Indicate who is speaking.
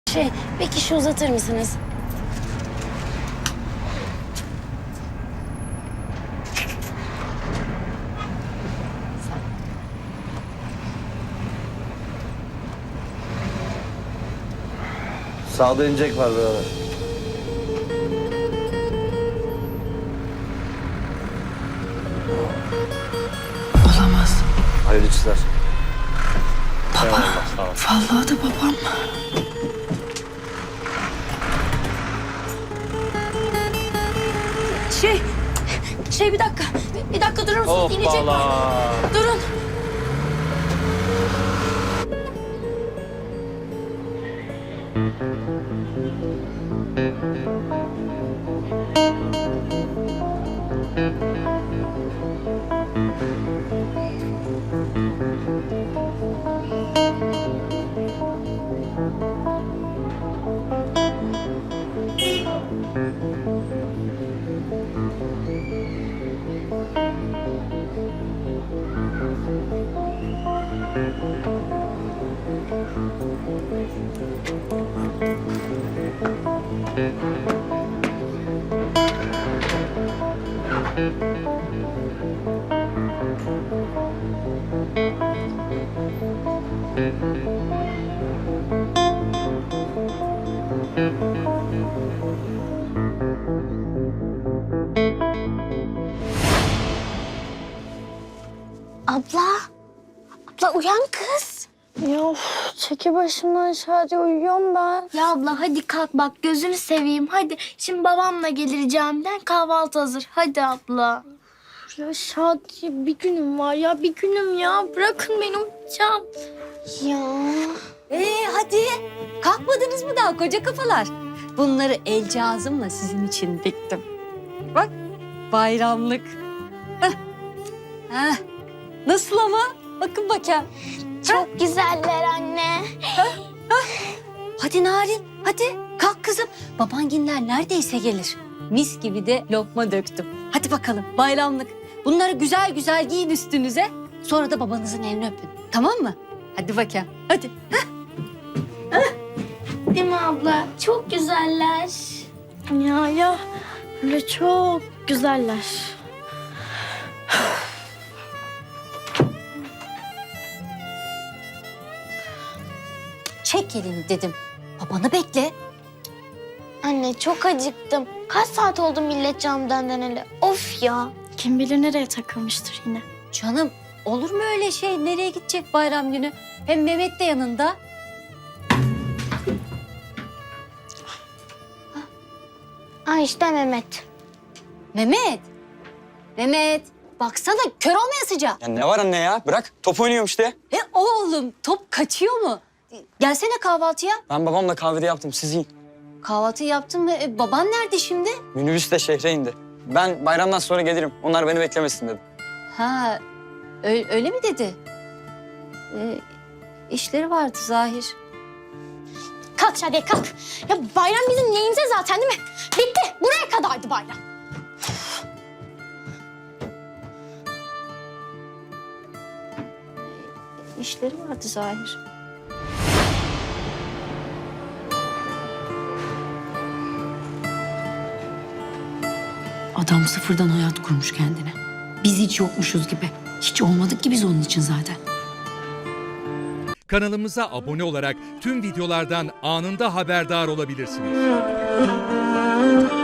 Speaker 1: Bir kişi uzatır mısınız?
Speaker 2: Sağda inecek var birader.
Speaker 3: Olamaz.
Speaker 2: Hayırlı işler.
Speaker 3: Baba.
Speaker 2: Eyvallah, sağ ol.
Speaker 3: Vallahi da babam.
Speaker 1: Bir dakika. Bir dakika durur musunuz? İnecek var. Durun. Abla. Abla uyan kız.
Speaker 4: Ya of, çeki başımdan Şadi, uyuyorum ben.
Speaker 5: Ya abla hadi kalk bak gözünü seveyim hadi. Şimdi babamla gelir camiden kahvaltı hazır. Hadi abla.
Speaker 4: Ya Şadi, bir günüm var ya, bir günüm ya. Bırakın beni, uyuyacağım.
Speaker 1: Ya.
Speaker 6: Hadi kalkmadınız mı daha koca kafalar? Bunları el cihazımla sizin için diktim. Bak bayramlık. Heh. Heh. Nasıl ama? Bakın bakayım.
Speaker 5: Çok güzeller anne.
Speaker 6: Hadi Narin hadi kalk kızım. Babanginler neredeyse gelir. Mis gibi de lokma döktüm. Hadi bakalım bayramlık. Bunları güzel güzel giyin üstünüze. Sonra da babanızın elini öpün. Tamam mı? Hadi bakayım. Hadi.
Speaker 5: Değil mi abla? Çok güzeller.
Speaker 4: Ya böyle çok güzeller.
Speaker 6: Çek elini dedim. Babanı bekle.
Speaker 5: Anne çok acıktım. Kaç saat oldu millet camdan döneli? Of ya.
Speaker 4: Kim bilir nereye takılmıştır yine.
Speaker 6: Canım olur mu öyle şey? Nereye gidecek bayram günü? Hem Mehmet de yanında.
Speaker 5: İşte Mehmet.
Speaker 6: Mehmet. Mehmet. Baksana kör olmayasıca.
Speaker 7: Ya ne var anne ya? Bırak. Top oynuyorum işte.
Speaker 6: Oğlum top kaçıyor mu? Gelsene kahvaltıya.
Speaker 7: Ben babamla kahvede yaptım. Siz yiyin.
Speaker 6: Kahvaltı yaptın mı? Baban nerede şimdi?
Speaker 7: Minibüs de şehre indi. Ben bayramdan sonra gelirim. Onlar beni beklemesin dedim.
Speaker 6: Ha öyle mi dedi? İşleri vardı Zahir.
Speaker 5: Kalk Şadiye kalk. Ya bayram bizim neyimize zaten değil mi? Bitti. Buraya kadardı bayram.
Speaker 6: İşleri vardı Zahir.
Speaker 3: Adam sıfırdan hayat kurmuş kendine. Biz hiç yokmuşuz gibi. Hiç olmadık ki biz onun için zaten.
Speaker 8: Kanalımıza abone olarak tüm videolardan anında haberdar olabilirsiniz.